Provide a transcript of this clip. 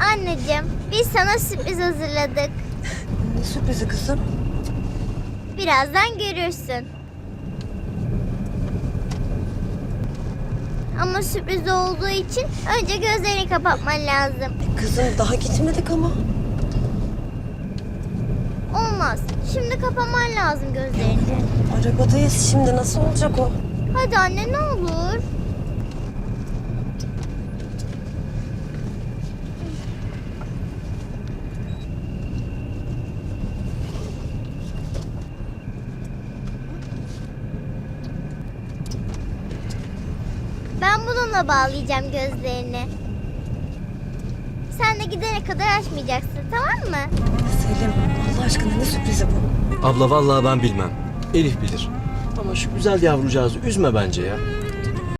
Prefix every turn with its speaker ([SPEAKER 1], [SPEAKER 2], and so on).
[SPEAKER 1] Anneciğim, biz sana sürpriz hazırladık.
[SPEAKER 2] Ne sürprizi kızım?
[SPEAKER 1] Birazdan görürsün. Ama sürpriz olduğu için önce gözlerini kapatman lazım.
[SPEAKER 2] Kızım daha gitmedik ama.
[SPEAKER 1] Olmaz. Şimdi kapaman lazım gözlerini.
[SPEAKER 2] Arabadayız şimdi, nasıl olacak o?
[SPEAKER 1] Hadi anne, ne olur. Ben bununla bağlayacağım gözlerini. Sen de gidene kadar açmayacaksın, tamam mı?
[SPEAKER 2] Selim, Allah aşkına ne sürprizi bu?
[SPEAKER 3] Abla vallahi ben bilmem. Elif bilir. Ama şu güzel yavrucağızı üzme bence ya.